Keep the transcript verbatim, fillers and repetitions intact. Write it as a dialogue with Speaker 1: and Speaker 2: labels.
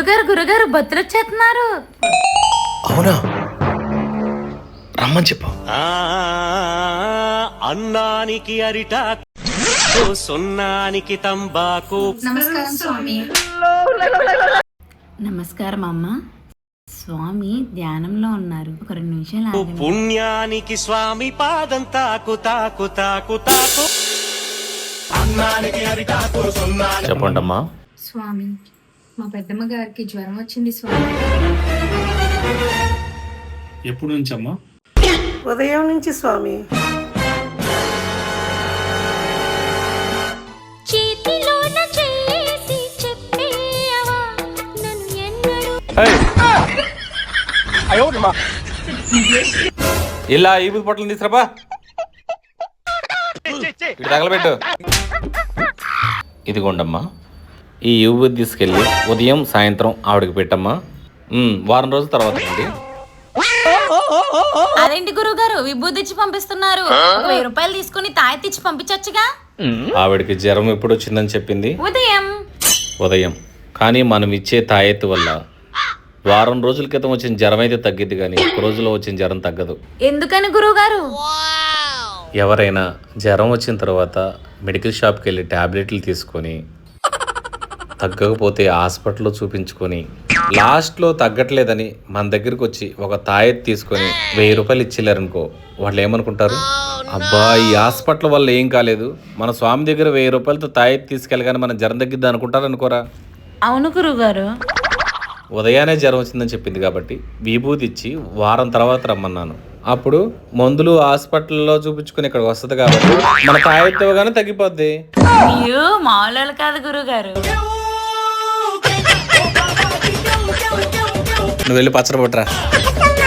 Speaker 1: గురుగారు గురుగారు భక్తులు వచ్చేస్తున్నారు.
Speaker 2: అవునా, రమ్మని చెప్పు.
Speaker 3: అన్నానికి అరిటాకు, సున్నానికి తంబాకు.
Speaker 1: నమస్కారం స్వామి. నమస్కారం అమ్మ. స్వామి ధ్యానంలో ఉన్నారు, ఒక రెండు నిమిషాలు ఆగండి.
Speaker 3: పుణ్యానికి స్వామి పాదం తాకు తాకు తాకు తాకు.
Speaker 2: చెప్పండి అమ్మా.
Speaker 4: స్వామి, మా పెద్దమ్మ గారికి జ్వరం వచ్చింది స్వామి.
Speaker 5: ఎప్పుడు నుంచి అమ్మా?
Speaker 6: ఉదయం నుంచి స్వామి.
Speaker 2: ఇలా ఈ పొట్టలు తీసుకురాబా, తగలబెట్టు. ఇదిగోండమ్మా, ఈ యువతి తీసుకెళ్ళి ఉదయం సాయంత్రం ఆవిడకి పెట్టమ్మా. వారం రోజుల తర్వాత అండి.
Speaker 1: అదేంటి గురువు గారు విభూతి ఇచ్చి పంపిస్తున్నారు? ఒక వెయ్యి రూపాయలు తీసుకుని తాయెత్తి ఇచ్చి పంపించొచ్చుగా.
Speaker 2: ఆవిడకి జ్వరం ఎప్పుడు వచ్చిందని చెప్పింది?
Speaker 1: ఉదయం.
Speaker 2: ఉదయం. కానీ మనం ఇచ్చే తాయెత్తు వల్ల వారం రోజుల క్రితం వచ్చిన జ్వరం అయితే తగ్గిద్ది, కానీ ఒక రోజులో వచ్చిన జ్వరం తగ్గదు.
Speaker 1: ఎందుకని గురువు గారు?
Speaker 2: ఎవరైనా జ్వరం వచ్చిన తర్వాత మెడికల్ షాప్కి వెళ్ళి ట్యాబ్లెట్లు తీసుకొని తగ్గకపోతే హాస్పిటల్లో చూపించుకొని లాస్ట్లో తగ్గట్లేదని మన దగ్గరికి వచ్చి ఒక తాయెత్తు తీసుకొని వెయ్యి రూపాయలు ఇచ్చిల్లారనుకో, వాళ్ళు ఏమనుకుంటారు? అబ్బా, ఈ హాస్పిటల్ వల్ల ఏం కాలేదు, మన స్వామి దగ్గర వెయ్యి రూపాయలతో తాయెత్తు తీసుకెళ్ళగానే మన జ్వరం తగ్గిద్ది అనుకుంటారు అనుకోరా?
Speaker 1: అవును గురువు గారు.
Speaker 2: ఉదయాన్నే జ్వరం వచ్చిందని చెప్పింది కాబట్టి విభూతి ఇచ్చి వారం తర్వాత రమ్మన్నాను. అప్పుడు మందులు హాస్పిటల్లో చూపించుకుని ఇక్కడికి వస్తుంది కాబట్టి మన తాయెత్తు ఇవ్వగానే తగ్గిపోద్ది.
Speaker 1: అయ్యో మామూలు కాదు గురువు గారు.
Speaker 2: నువ్వు వెళ్ళి పచ్చడి పట్టరా.